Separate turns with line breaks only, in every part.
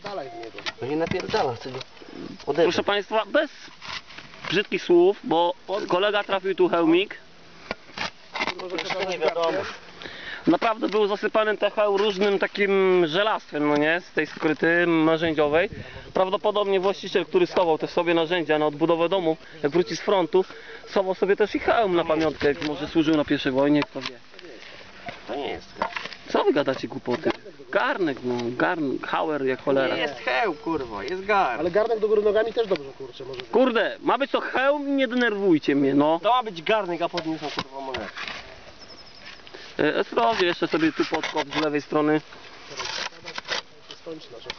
napierdalaj w niego.
No nie napierdala, chcę go odebrać.
Proszę Państwa, bez brzydkich słów, bo kolega trafił tu hełmik.
Jeszcze nie wiadomo.
Naprawdę był zasypany ten hełm różnym takim żelastwem, no nie, z tej skryty narzędziowej. Prawdopodobnie właściciel, który schował też sobie narzędzia na odbudowę domu, jak wróci z frontu, schował sobie też i hełm na pamiątkę, jak może służył na I wojnie, kto wie.
To nie jest hełm.
Co wy gadacie głupoty? Garnek, no, hauer jak cholera.
Nie jest hełm, kurwa, jest gar.
Ale garnek do góry nogami też dobrze, kurczę, może być.
Kurde, ma być to hełm i nie denerwujcie mnie, no.
To ma być garnek, a pod nim są kurwa monety.
Sprawdź jeszcze sobie tu podkop z lewej strony.
Skończy nasze.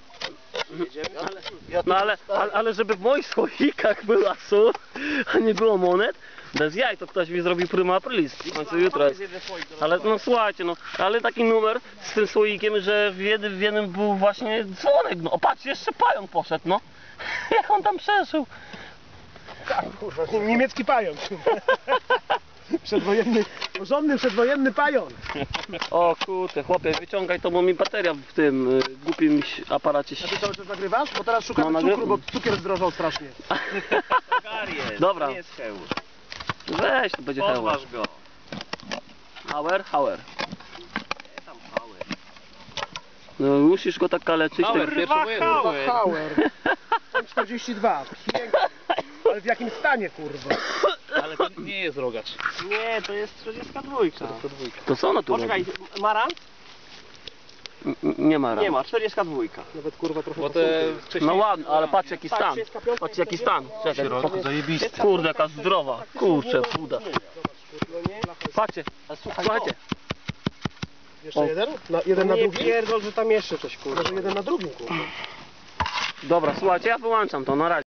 No ale żeby w moich słoikach była sól, a nie było monet, bez jaj, to ktoś mi zrobił prima aprilis, w końcu jutro jest. Ale no słuchajcie, no, ale taki numer z tym słoikiem, że w jednym był właśnie dzwonek, no, o patrz, jeszcze pająk poszedł, no. Jak on tam przeszedł.
Tak, kurwa, niemiecki pająk. Przedwojenny, porządny przedwojenny pająk.
O kurde, chłopie, wyciągaj to, bo mi bateria w tym głupim aparacie
A ty cały czas nagrywasz? Bo teraz szukamy
No,
cukru, bo cukier zdrożał strasznie.
Gar jest,
Dobra.
nie jest hełm.
Weź, to będzie hełm.
Podważ go.
Hauer, hauer.
Nie tam hełm.
No, musisz go tak kaleczyć.
Hauer,
tak...
kurwa, hełm.
Hauer. 42. Piękny. Ale w jakim stanie, kurwa?
Ale to nie jest rogacz. Nie, to jest 42.
To co ona tu
Poczekaj,
robi?
Mara?
Nie ma ram.
Nie ma, 42.
Nawet kurwa trochę
Bo
posunął.
No ładnie, ale patrz jaki
Tak,
stan.
35
Patrz jaki stan. Czekaj,
zajebisty.
kurde, jaka zdrowa. Kurczę, puda. Patrzcie, słuchajcie.
Jeszcze
O.
jeden? Jeden na
Nie
drugim?
pierdol, że tam jeszcze coś kurwa.
Może jeden na drugim, kurwa.
Dobra, słuchajcie, ja wyłączam to, na razie.